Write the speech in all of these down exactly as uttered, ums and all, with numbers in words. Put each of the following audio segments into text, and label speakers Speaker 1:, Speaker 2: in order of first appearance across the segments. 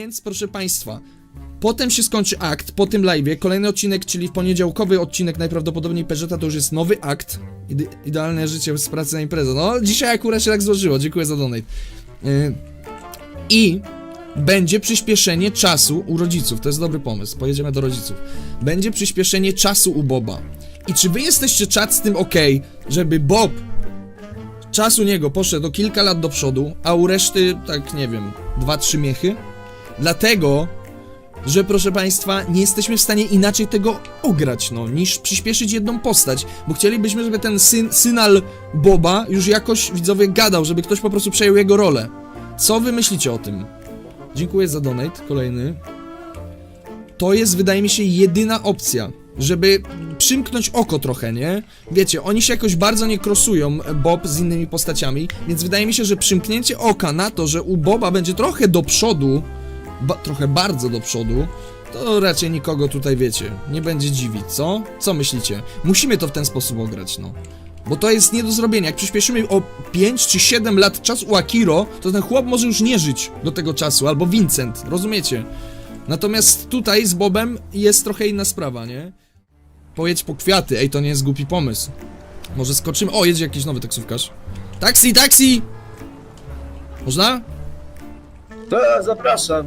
Speaker 1: Więc proszę państwa, potem się skończy akt, po tym live'ie, kolejny odcinek, czyli poniedziałkowy odcinek najprawdopodobniej Peugeota, to już jest nowy akt. Ide idealne życie z pracy na imprezę. No, dzisiaj akurat się tak złożyło, dziękuję za donate. Yy, I będzie przyspieszenie czasu u rodziców, to jest dobry pomysł, pojedziemy do rodziców. Będzie przyspieszenie czasu u Boba. I czy wy jesteście, czat, z tym ok, żeby Bob, czas u niego poszedł o kilka lat do przodu, a u reszty, tak nie wiem, dwa trzy miechy? Dlatego, że proszę państwa, nie jesteśmy w stanie inaczej tego ograć, no, niż przyspieszyć jedną postać, bo chcielibyśmy, żeby ten syn, synal Boba już jakoś, widzowie, gadał, żeby ktoś po prostu przejął jego rolę. Co wy myślicie o tym? Dziękuję za donate, kolejny. To jest, wydaje mi się, jedyna opcja, żeby przymknąć oko trochę, nie? Wiecie, oni się jakoś bardzo nie krosują, Bob z innymi postaciami, więc wydaje mi się, że przymknięcie oka na to, że u Boba będzie trochę do przodu, ba trochę bardzo do przodu, to raczej nikogo tutaj, wiecie, nie będzie dziwić, co? Co myślicie? Musimy to w ten sposób ograć, no. Bo to jest nie do zrobienia. Jak przyspieszymy o pięć czy siedem lat czas u Akiro, to ten chłop może już nie żyć do tego czasu, albo Vincent, rozumiecie? Natomiast tutaj z Bobem jest trochę inna sprawa, nie? Pojedź po kwiaty, ej, to nie jest głupi pomysł. Może skoczymy... O, jedzie jakiś nowy taksówkarz. Taksi, taksi! Można?
Speaker 2: To zapraszam.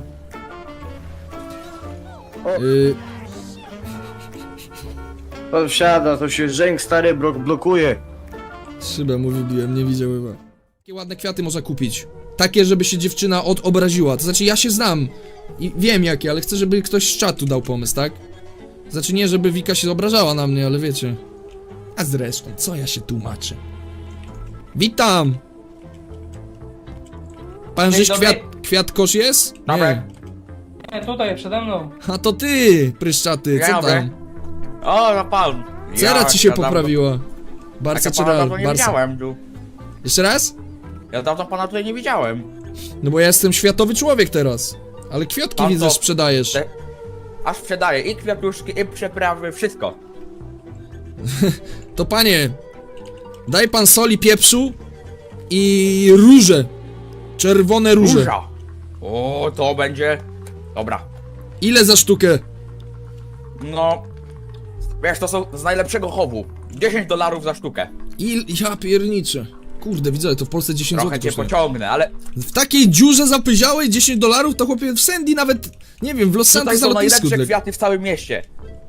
Speaker 1: Yy,
Speaker 2: Pan wsiada, to się Żęk stary blok blokuje.
Speaker 1: szybę mu wybiłem, nie widział chyba. Takie ładne kwiaty można kupić. Takie, żeby się dziewczyna odobraziła. To znaczy, ja się znam i wiem jakie, ale chcę, żeby ktoś z czatu dał pomysł, tak? Znaczy nie, żeby Wika się obrażała na mnie, ale wiecie. A zresztą, co ja się tłumaczę? Witam! Pan żeś kwiat, kwiatkosz jest?
Speaker 3: Dobry.
Speaker 1: Nie.
Speaker 3: Nie, tutaj, przede mną.
Speaker 1: A to ty, pryszczaty, co
Speaker 3: Dobry.
Speaker 1: tam?
Speaker 3: O, no pan.
Speaker 1: Cera ci się poprawiła.
Speaker 3: Ja
Speaker 1: Barca czy
Speaker 3: pana
Speaker 1: Real?
Speaker 3: dawno nie
Speaker 1: Barca.
Speaker 3: widziałem tu.
Speaker 1: Jeszcze raz?
Speaker 3: Ja dawno pana tutaj nie widziałem.
Speaker 1: No bo ja jestem światowy człowiek teraz. Ale kwiatki
Speaker 3: Pan
Speaker 1: widzę,
Speaker 3: to-
Speaker 1: sprzedajesz.
Speaker 3: Te... Aż sprzedaję i kwiatuszki, i przeprawy, wszystko.
Speaker 1: To panie, daj pan soli, pieprzu i róże. Czerwone róże.
Speaker 3: Róża. O, to będzie... Dobra.
Speaker 1: Ile za sztukę?
Speaker 3: No... Wiesz, to są z najlepszego chowu. dziesięć dolarów za sztukę.
Speaker 1: Il... Ja pierniczę. Kurde, widzę, to w Polsce dziesięć
Speaker 3: Trochę
Speaker 1: złotych
Speaker 3: cię
Speaker 1: kosztuje.
Speaker 3: pociągnę, ale...
Speaker 1: W takiej dziurze zapyziałej dziesięć dolarów, to chłopie w Sandy nawet, nie wiem, w Los
Speaker 3: Tutaj
Speaker 1: Santos
Speaker 3: są
Speaker 1: na lotnisku.
Speaker 3: najlepsze
Speaker 1: dla-
Speaker 3: kwiaty w całym mieście.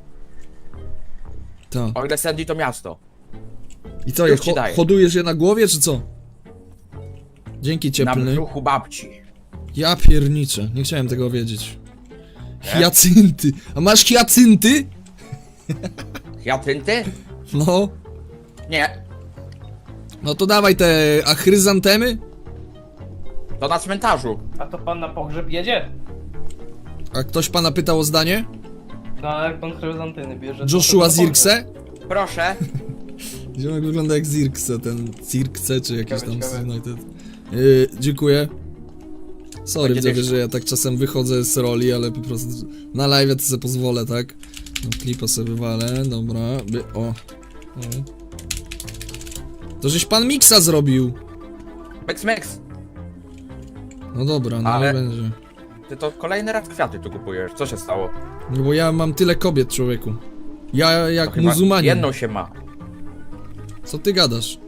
Speaker 1: Ta.
Speaker 3: O ile Sandy to miasto.
Speaker 1: I co, je
Speaker 3: Już ci
Speaker 1: ho
Speaker 3: daję.
Speaker 1: hodujesz je na głowie, czy co? Dzięki
Speaker 3: Na
Speaker 1: cieplny.
Speaker 3: brzuchu babci.
Speaker 1: Ja pierniczę, nie chciałem tego wiedzieć. Hiacynty. A masz hiacynty?
Speaker 3: Hiacynty?
Speaker 1: No.
Speaker 3: Nie.
Speaker 1: No to dawaj te achryzantemy.
Speaker 3: To na cmentarzu.
Speaker 4: A to pan na pogrzeb jedzie?
Speaker 1: A ktoś pana pytał o zdanie?
Speaker 4: No ale jak pan chryzantyny bierze... to
Speaker 1: Joshua
Speaker 4: to na pogrzeb.
Speaker 1: Zirkse?
Speaker 3: Proszę.
Speaker 1: Ziomek wygląda jak Zirkse, ten Zirkse czy jakiś
Speaker 4: Ciekawe,
Speaker 1: tam
Speaker 4: ciekawe.
Speaker 1: z United. Yy, dziękuję. Sorry,
Speaker 3: Będzie
Speaker 1: widzowie,
Speaker 3: też-
Speaker 1: że ja tak czasem wychodzę z roli, ale po prostu na live to sobie pozwolę, tak? No, klipa sobie wywalę, dobra, by, o. o. To żeś pan miksa zrobił.
Speaker 3: Mix, mix.
Speaker 1: No dobra, no
Speaker 3: Ale-
Speaker 1: będzie.
Speaker 3: Ty to kolejny raz kwiaty tu kupujesz. Co się stało?
Speaker 1: No bo ja mam tyle kobiet, człowieku. Ja jak
Speaker 3: To chyba
Speaker 1: muzułmanin.
Speaker 3: Jedną się ma.
Speaker 1: Co ty gadasz?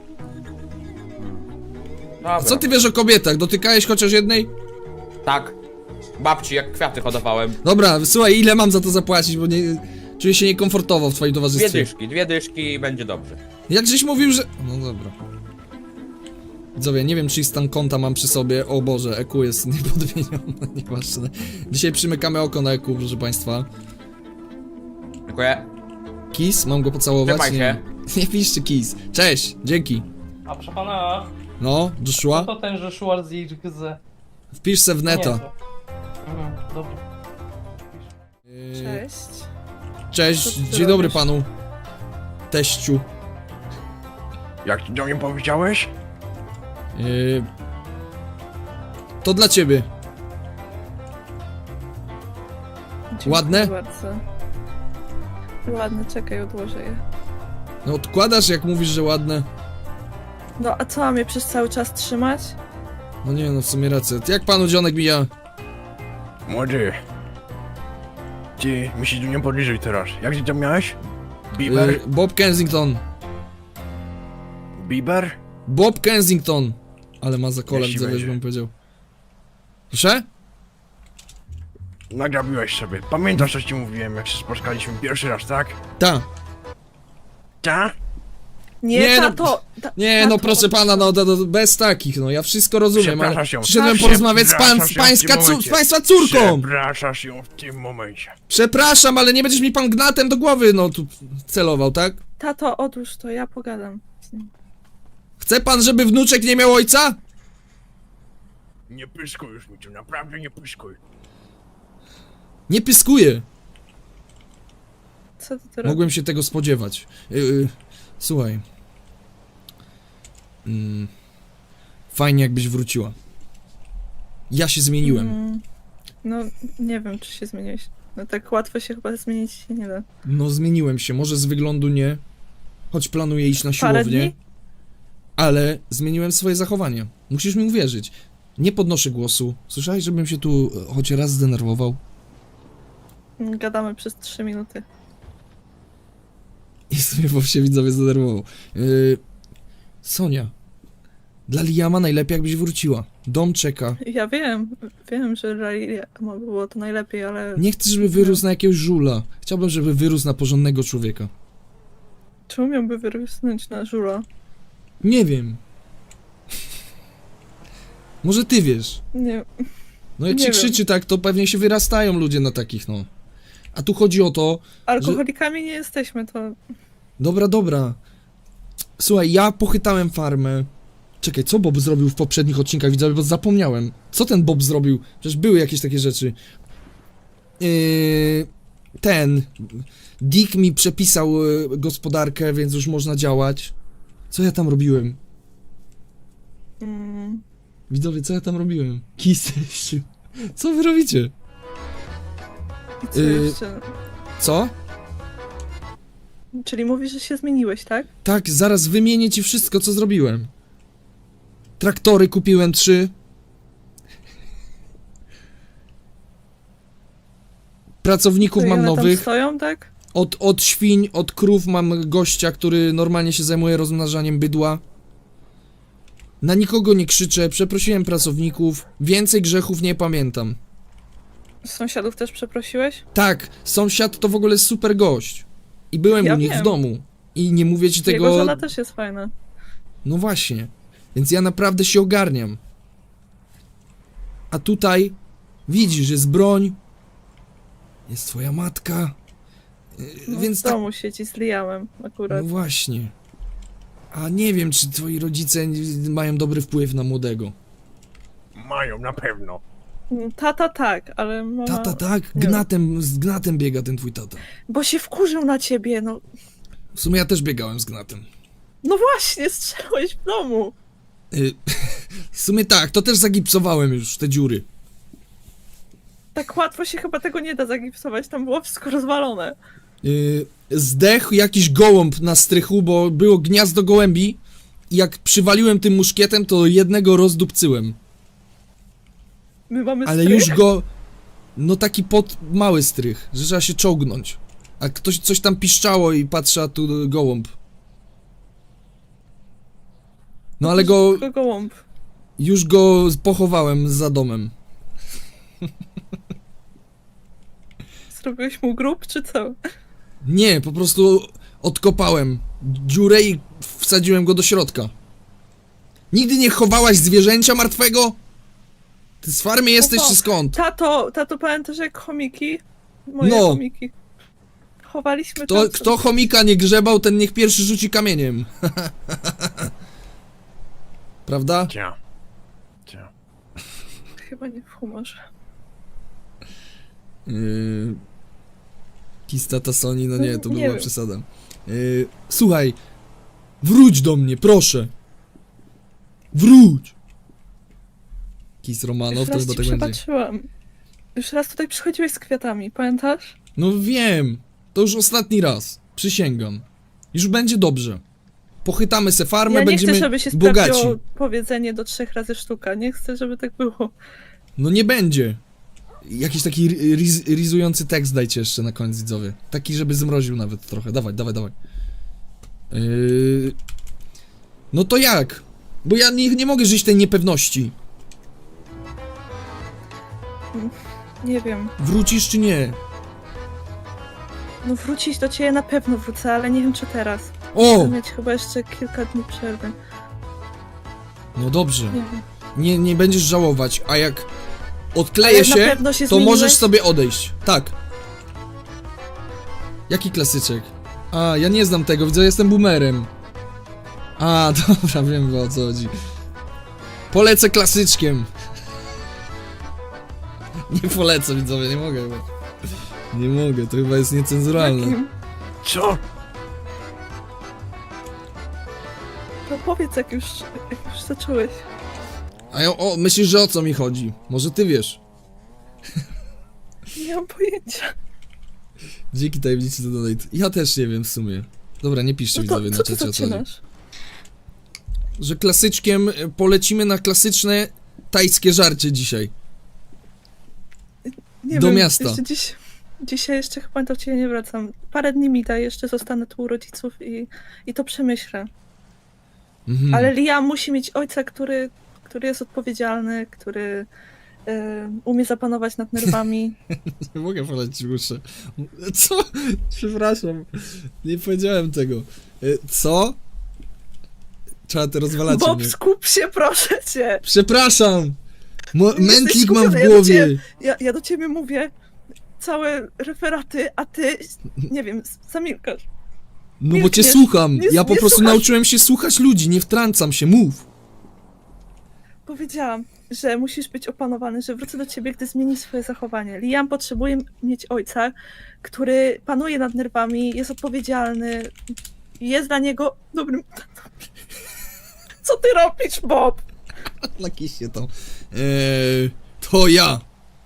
Speaker 3: Dobra.
Speaker 1: A co ty wiesz o kobietach? Dotykałeś chociaż jednej?
Speaker 3: Tak. Babci, jak kwiaty hodowałem.
Speaker 1: Dobra, słuchaj, ile mam za to zapłacić, bo nie... Czuję się niekomfortowo w twoim
Speaker 3: Dwie
Speaker 1: towarzystwie.
Speaker 3: dyszki, dwie dyszki i będzie dobrze.
Speaker 1: Jak żeś mówił, że... No dobra. Widzowie, nie wiem, czy stan konta mam przy sobie. O Boże, E Q jest niepodmienione, nieważne. Dzisiaj przymykamy oko na E Q, proszę państwa.
Speaker 3: Dziękuję.
Speaker 1: Kiss, mam go pocałować?
Speaker 3: Trzymaj
Speaker 1: Nie, nie piszcie kiss. Cześć, dzięki.
Speaker 4: A proszę pana,
Speaker 1: No, Joshua,
Speaker 4: to ten Joshua Zirkse.
Speaker 1: wpisz se w neta.
Speaker 4: Nie, to- Mhm, dobra.
Speaker 1: Yy,
Speaker 5: Cześć.
Speaker 1: Cześć,
Speaker 5: Co ty
Speaker 1: dzień dobry
Speaker 5: robisz?
Speaker 1: panu. Teściu.
Speaker 2: Jak ty do mnie powiedziałeś?
Speaker 1: Yy, to dla ciebie.
Speaker 5: Dziękuję
Speaker 1: Ładne?
Speaker 5: bardzo. Ładne, czekaj, odłożę je.
Speaker 1: No odkładasz, jak mówisz, że ładne.
Speaker 5: No a co, mam je przez cały czas trzymać?
Speaker 1: No nie, no w sumie rację. Jak panu dzionek mija?
Speaker 2: Młody. Ty, mi się tu nie podliżuj teraz. Jak ty tam miałeś? Bieber?
Speaker 1: Y, Bob Kensington.
Speaker 2: Bieber?
Speaker 1: Bob Kensington. Ale ma za kolem,
Speaker 2: Jeśli
Speaker 1: co wiesz,
Speaker 2: będzie.
Speaker 1: bym powiedział. Proszę?
Speaker 2: Nagrabiłeś sobie. Pamiętasz, co ci mówiłem, jak się spotkaliśmy pierwszy raz, tak?
Speaker 1: Ta.
Speaker 2: Ta?
Speaker 5: Nie,
Speaker 1: Nie, no-
Speaker 5: tato! ta,
Speaker 1: Nie,
Speaker 5: tato,
Speaker 1: no proszę pana, no to, to bez takich, no ja wszystko rozumiem, ale
Speaker 2: Przepraszasz ją.
Speaker 1: przyszedłem
Speaker 5: Tak,
Speaker 1: porozmawiać z, pan, z,
Speaker 2: przepraszasz ją w
Speaker 1: pańska,
Speaker 2: tym
Speaker 1: cu, z
Speaker 2: momencie.
Speaker 1: państwa córką!
Speaker 2: Przepraszasz ją w tym momencie.
Speaker 1: Przepraszam, ale nie będziesz mi pan gnatem do głowy, no tu celował, tak?
Speaker 5: Tato, odłóż to, ja pogadam z nim.
Speaker 1: Chce pan, żeby wnuczek nie miał ojca?
Speaker 2: Nie pyskuj już mi tu, naprawdę nie pyskuj.
Speaker 1: Nie pyskuję.
Speaker 5: Co ty tu robisz?
Speaker 1: Mogłem się tego spodziewać. Yy, słuchaj. Mm, fajnie jakbyś wróciła. Ja się zmieniłem.
Speaker 5: Mm, no, nie wiem, czy się zmieniłeś. No tak łatwo się chyba zmienić się nie da.
Speaker 1: No zmieniłem się, może z wyglądu nie. Choć planuję iść na
Speaker 5: Parę
Speaker 1: siłownię.
Speaker 5: dni?
Speaker 1: Ale zmieniłem swoje zachowanie. Musisz mi uwierzyć. Nie podnoszę głosu. Słyszałeś, żebym się tu e, choć raz zdenerwował?
Speaker 5: Gadamy przez trzy minuty.
Speaker 1: I sobie bo się widzowie zdenerwował. Yy, Sonia. Dla Liama najlepiej jakbyś wróciła. Dom czeka.
Speaker 5: Ja wiem, wiem, że Rally mogło było to najlepiej, ale
Speaker 1: Nie chcę, żeby wyrósł na jakiegoś żula. Chciałbym, żeby wyrósł na porządnego człowieka.
Speaker 5: czemu miałby wyrosnąć na żula?
Speaker 1: Nie wiem. Może ty wiesz.
Speaker 5: Nie,
Speaker 1: No jak
Speaker 5: Nie
Speaker 1: się
Speaker 5: wiem.
Speaker 1: krzyczy tak, to pewnie się wyrastają ludzie na takich, no. A tu chodzi o to...
Speaker 5: alkoholikami nie jesteśmy, to
Speaker 1: Dobra, dobra. Słuchaj, ja pochytałem farmę. Czekaj, co Bob zrobił w poprzednich odcinkach, widzowie, bo zapomniałem. Co ten Bob zrobił? Przecież były jakieś takie rzeczy. Yy, ten... Dick mi przepisał y, gospodarkę, więc już można działać. Co ja tam robiłem?
Speaker 5: mm,
Speaker 1: Widzowie, co ja tam robiłem? Kiseściu. Co wy robicie?
Speaker 5: i co
Speaker 1: Yy.
Speaker 5: jeszcze?
Speaker 1: Co?
Speaker 5: Czyli mówisz, że się zmieniłeś, tak?
Speaker 1: Tak, zaraz wymienię ci wszystko, co zrobiłem. Traktory kupiłem trzy. Pracowników
Speaker 5: To i
Speaker 1: mam
Speaker 5: one tam
Speaker 1: nowych.
Speaker 5: stoją, tak?
Speaker 1: Od, od świń, od krów mam gościa, który normalnie się zajmuje rozmnażaniem bydła. Na nikogo nie krzyczę, przeprosiłem pracowników. Więcej grzechów nie pamiętam.
Speaker 5: Sąsiadów też przeprosiłeś?
Speaker 1: Tak, sąsiad to w ogóle super gość. I byłem
Speaker 5: Ja
Speaker 1: u nich
Speaker 5: wiem.
Speaker 1: w domu. I nie mówię ci
Speaker 5: Jego
Speaker 1: tego...
Speaker 5: żona też jest fajna.
Speaker 1: No właśnie. Więc ja naprawdę się ogarniam. A tutaj widzisz, jest broń. Jest twoja matka. Yy,
Speaker 5: No,
Speaker 1: Więc
Speaker 5: w
Speaker 1: tak.
Speaker 5: domu siedzi z Liamem akurat.
Speaker 1: No właśnie. A nie wiem, czy twoi rodzice mają dobry wpływ na młodego.
Speaker 2: Mają, na pewno.
Speaker 5: Mm, Tata tak, ale mama...
Speaker 1: Tata, tak?
Speaker 5: nie
Speaker 1: Gnatem, z gnatem biega ten twój tata.
Speaker 5: Bo się wkurzył na ciebie, no.
Speaker 1: W sumie ja też biegałem z gnatem.
Speaker 5: No właśnie, strzelałeś w domu.
Speaker 1: Yy, w sumie tak, to też zagipsowałem już te dziury.
Speaker 5: Tak łatwo się chyba tego nie da zagipsować, tam było wszystko rozwalone.
Speaker 1: Yy, zdechł jakiś gołąb na strychu, bo było gniazdo gołębi i jak przywaliłem tym muszkietem, to jednego rozdupcyłem.
Speaker 5: My mamy
Speaker 1: Ale
Speaker 5: strych.
Speaker 1: już go... No taki pod mały strych, że trzeba się czołgnąć. A ktoś coś tam piszczało i patrzy, a tu gołąb. No ale go...
Speaker 5: Tylko gołąb.
Speaker 1: Już go pochowałem za domem.
Speaker 5: Zrobiłeś mu grób, czy co?
Speaker 1: Nie, po prostu odkopałem dziurę i wsadziłem go do środka. Nigdy nie chowałaś zwierzęcia martwego? Ty z farmy jesteś
Speaker 5: Oho.
Speaker 1: czy skąd?
Speaker 5: Tato, tato pamiętasz jak chomiki? Moje
Speaker 1: No.
Speaker 5: chomiki. Chowaliśmy
Speaker 1: Kto,
Speaker 5: czasem.
Speaker 1: kto chomika nie grzebał, ten niech pierwszy rzuci kamieniem. Prawda?
Speaker 2: Cia. Cia.
Speaker 5: Chyba nie w humorze.
Speaker 1: Yy... Kistata Sony, no nie, to
Speaker 5: Nie
Speaker 1: była
Speaker 5: wiem.
Speaker 1: przesada. Yy... Słuchaj, wróć do mnie, proszę. Wróć! Kis Romanow,
Speaker 5: Już
Speaker 1: to
Speaker 5: raz
Speaker 1: chyba
Speaker 5: ci
Speaker 1: tak będzie.
Speaker 5: przebaczyłam. Już raz tutaj przychodziłeś z kwiatami, pamiętasz?
Speaker 1: No wiem, to już ostatni raz, przysięgam. Już będzie dobrze. Pochytamy se farmę,
Speaker 5: Ja nie
Speaker 1: będziemy
Speaker 5: chcę, żeby się
Speaker 1: bogaci.
Speaker 5: sprawdziło powiedzenie do trzech razy sztuka. Nie chcę, żeby tak było.
Speaker 1: No nie będzie. Jakiś taki ri- riz, rizujący tekst dajcie jeszcze na koniec, widzowie. Taki, żeby zmroził nawet trochę. Dawaj, dawaj, dawaj. Yy... No to jak? Bo ja nie, nie mogę żyć tej niepewności.
Speaker 5: Nie wiem.
Speaker 1: Wrócisz czy nie?
Speaker 5: No wrócić do ciebie na pewno wrócę, ale nie wiem czy teraz.
Speaker 1: O!
Speaker 5: Chcę mieć chyba jeszcze kilka dni przerwy.
Speaker 1: No dobrze.
Speaker 5: Nie wiem.
Speaker 1: Nie, nie będziesz żałować, a jak
Speaker 5: Ale
Speaker 1: odkleję
Speaker 5: na
Speaker 1: się,
Speaker 5: pewno się
Speaker 1: to
Speaker 5: zmieniłeś?
Speaker 1: możesz sobie odejść. Tak. Jaki klasyczek? A, ja nie znam tego, widzę, jestem boomerem. A, dobra, wiem o co chodzi. Polecę klasyczkiem. Nie polecę, widzowie, nie mogę chyba. Nie mogę, to chyba jest niecenzuralne.
Speaker 5: Jakim?
Speaker 2: Co?
Speaker 5: To powiedz jak już, jak już zacząłeś.
Speaker 1: A ja, o, myślisz, że o co mi chodzi? Może ty wiesz.
Speaker 5: Nie mam pojęcia.
Speaker 1: Dzięki tajemnicy do donate. Ja też nie wiem w sumie. Dobra, nie piszcie
Speaker 5: No
Speaker 1: widzowie
Speaker 5: to
Speaker 1: na
Speaker 5: co ty
Speaker 1: czacie o co chodzi.
Speaker 5: zaczynasz?
Speaker 1: Że klasyczkiem y, polecimy na klasyczne tajskie żarcie dzisiaj.
Speaker 5: Nie
Speaker 1: Do
Speaker 5: wiem,
Speaker 1: miasta.
Speaker 5: Jeszcze dziś, dzisiaj jeszcze chyba do ciebie nie wracam. Parę dni mi daj, jeszcze zostanę tu u rodziców i, i to przemyślę.
Speaker 1: Mhm.
Speaker 5: Ale Liam musi mieć ojca, który, który jest odpowiedzialny, który e, umie zapanować nad nerwami.
Speaker 1: Nie mogę polecić uszy. Co? Przepraszam. Nie powiedziałem tego. Y, Co? Trzeba te rozwalacie
Speaker 5: Bob,
Speaker 1: mnie.
Speaker 5: skup się, proszę cię!
Speaker 1: Przepraszam! Mo
Speaker 5: Jesteś
Speaker 1: mętlik mam w
Speaker 5: skupiony, ja do
Speaker 1: głowie.
Speaker 5: ciebie- Ja, ja do ciebie mówię całe referaty, a ty, nie wiem, zamilkasz.
Speaker 1: No bo cię
Speaker 5: milkniesz.
Speaker 1: słucham.
Speaker 5: Nie-
Speaker 1: Ja po
Speaker 5: nie
Speaker 1: prostu
Speaker 5: słuchasz.
Speaker 1: nauczyłem się słuchać ludzi, nie wtrącam się, mów.
Speaker 5: Powiedziałam, że musisz być opanowany, że wrócę do ciebie, gdy zmieni swoje zachowanie. Liam potrzebuje mieć ojca, który panuje nad nerwami, jest odpowiedzialny, jest dla niego dobrym tatą. Co ty robisz, Bob?
Speaker 1: Nakiście to. Eee, to ja.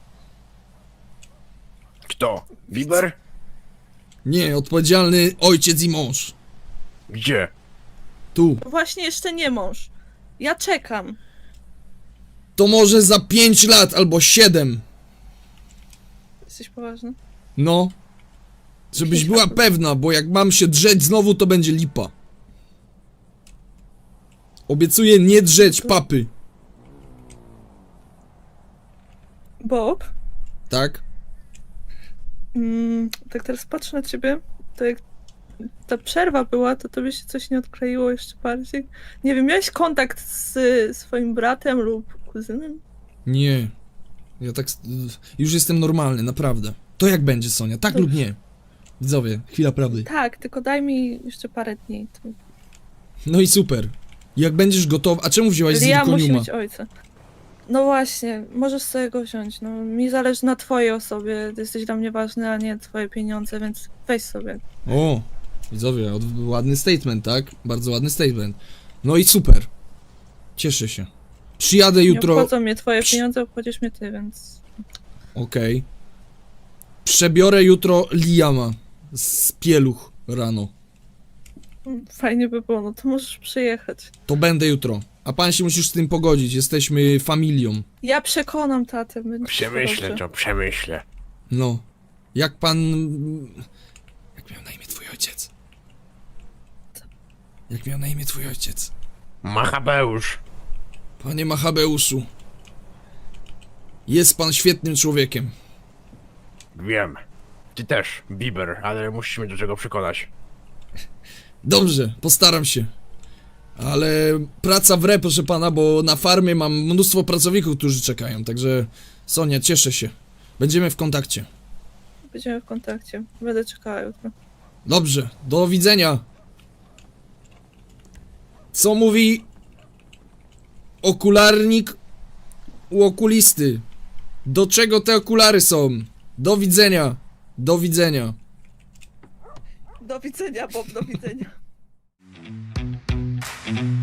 Speaker 2: Kto? Bieber?
Speaker 1: Nie, odpowiedzialny ojciec i mąż.
Speaker 2: Gdzie?
Speaker 1: Tu.
Speaker 5: Właśnie jeszcze nie mąż. Ja czekam.
Speaker 1: To może za pięć lat albo siedem.
Speaker 5: Jesteś poważny?
Speaker 1: No. Żebyś była pewna, bo jak mam się drzeć znowu, to będzie lipa. Obiecuję nie drzeć papy.
Speaker 5: Bob?
Speaker 1: Tak?
Speaker 5: Mm, tak teraz patrzę na ciebie, to jak ta przerwa była, to tobie się coś nie odkleiło jeszcze bardziej. Nie wiem, miałeś kontakt z swoim bratem lub kuzynem?
Speaker 1: Nie. Ja tak... Już jestem normalny, naprawdę. To jak będzie, Sonia? Tak
Speaker 5: Dobrze.
Speaker 1: lub nie? Widzowie, chwila prawdy.
Speaker 5: Tak, tylko daj mi jeszcze parę dni. To...
Speaker 1: No i super. Jak będziesz gotowa... A czemu wzięłaś
Speaker 5: Liam musi
Speaker 1: zirkoniuma?
Speaker 5: mieć ojca. No właśnie, możesz sobie go wziąć. No, mi zależy na twojej osobie. Ty jesteś dla mnie ważny, a nie twoje pieniądze, więc weź sobie.
Speaker 1: O, widzowie, od, ładny statement, tak? Bardzo ładny statement. No i super. Cieszę się. Przyjadę
Speaker 5: Nie
Speaker 1: jutro...
Speaker 5: obchodzą mnie twoje
Speaker 1: Psz.
Speaker 5: pieniądze, obchodzisz mnie ty, więc...
Speaker 1: Okej. Przebiorę jutro Liama z Pieluch rano.
Speaker 5: Fajnie by było, no to możesz przyjechać.
Speaker 1: To będę jutro. A pan się musisz z tym pogodzić, jesteśmy familią.
Speaker 5: Ja przekonam tatę. będzie
Speaker 2: Przemyślę
Speaker 5: dobrze.
Speaker 2: to, przemyślę.
Speaker 1: No. Jak pan... Jak miał na imię twój ojciec? Jak miał na imię twój ojciec?
Speaker 2: Machabeusz.
Speaker 1: Panie Machabeuszu. Jest pan świetnym człowiekiem.
Speaker 2: Wiem. Ty też, Bieber, ale musisz mnie do czego przekonać.
Speaker 1: Dobrze, postaram się. Ale praca w re, proszę pana, bo na farmie mam mnóstwo pracowników, którzy czekają, także Sonia, cieszę się. Będziemy w kontakcie.
Speaker 5: Będziemy w kontakcie. Będę czekała jutro.
Speaker 1: Dobrze, do widzenia. Co mówi okularnik u okulisty? Do czego te okulary są? Do widzenia. Do widzenia.
Speaker 5: Do widzenia, Bob, do widzenia.